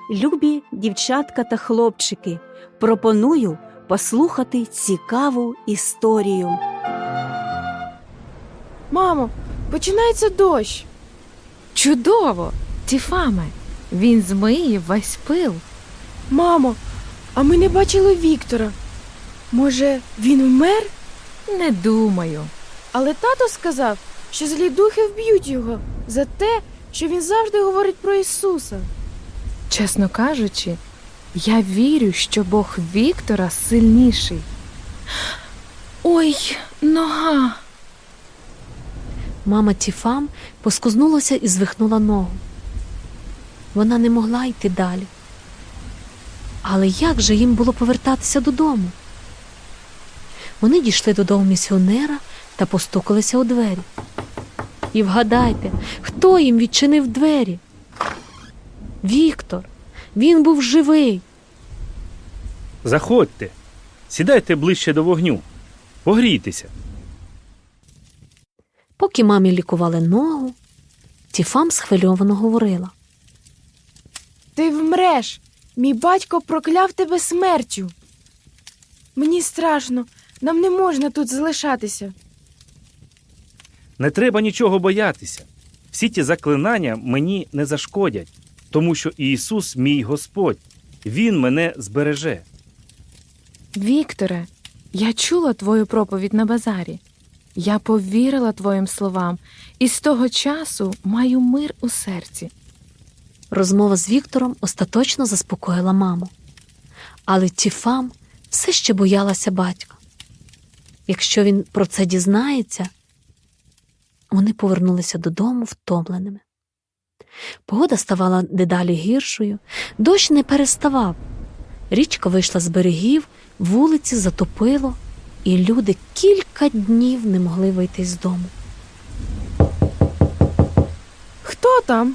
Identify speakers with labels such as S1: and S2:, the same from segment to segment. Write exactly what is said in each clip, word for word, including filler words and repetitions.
S1: Любі дівчатка та хлопчики, пропоную послухати цікаву історію.
S2: Мамо, починається дощ.
S3: Чудово! Тіфаме, він змиє весь пил.
S2: Мамо, а ми не бачили Віктора. Може, він вмер?
S3: Не думаю.
S2: Але тато сказав, що злі духи вб'ють його за те, що він завжди говорить про Ісуса.
S3: Чесно кажучи, я вірю, що Бог Віктора сильніший. Ой, нога!
S4: Мама Тіфам поскузнулася і звихнула ногу. Вона не могла йти далі. Але як же їм було повертатися додому? Вони дійшли додому місіонера та постукалися у двері. І вгадайте, хто їм відчинив двері? Віктор. Він був живий.
S5: Заходьте, сідайте ближче до вогню, погрійтеся.
S4: Поки мамі лікували ногу, Тіфам схвильовано говорила.
S2: Ти вмреш! Мій батько прокляв тебе смертю. Мені страшно, нам не можна тут залишатися.
S5: Не треба нічого боятися. Всі ті заклинання мені не зашкодять, тому що Ісус мій Господь. Він мене збереже.
S3: Вікторе, я чула твою проповідь на базарі. Я повірила твоїм словам і з того часу маю мир у серці.
S4: Розмова з Віктором остаточно заспокоїла маму. Але Тіфам все ще боялася батька. Якщо він про це дізнається, вони повернулися додому втомленими. Погода ставала дедалі гіршою, дощ не переставав. Річка вийшла з берегів, вулиці затопило, і люди кілька днів не могли вийти з дому.
S2: Хто там?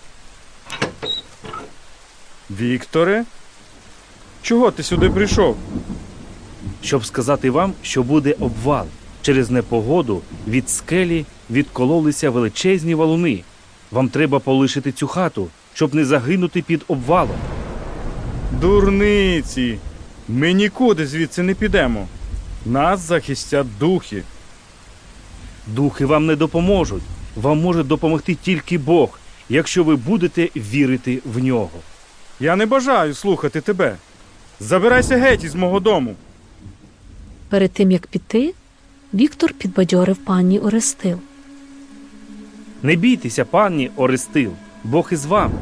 S6: Вікторе? Чого ти сюди прийшов?
S5: Щоб сказати вам, що буде обвал. Через непогоду від скелі відкололися величезні валуни. Вам треба полишити цю хату, щоб не загинути під обвалом.
S6: Дурниці! Ми нікуди звідси не підемо. Нас захистять духи.
S5: Духи вам не допоможуть. Вам може допомогти тільки Бог, якщо ви будете вірити в нього.
S6: Я не бажаю слухати тебе. Забирайся геть із мого дому.
S4: Перед тим, як піти, Віктор підбадьорив пані Орестил.
S5: Не бійтеся, пані Орестил, Бог із вами.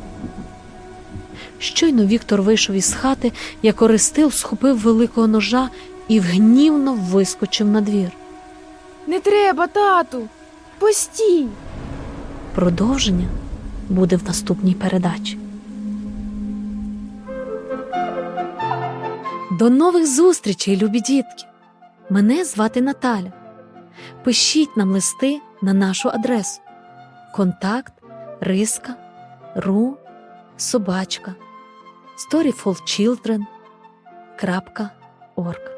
S4: Щойно Віктор вийшов із хати, як Орестил схопив великого ножа і гнівно вискочив на двір.
S2: Не треба, тату! Постій!
S4: Продовження буде в наступній передачі. До нових зустрічей, любі дітки! Мене звати Наталя. Пишіть нам листи на нашу адресу. Контакт риска ру собачка storyfulchildren крапка орг.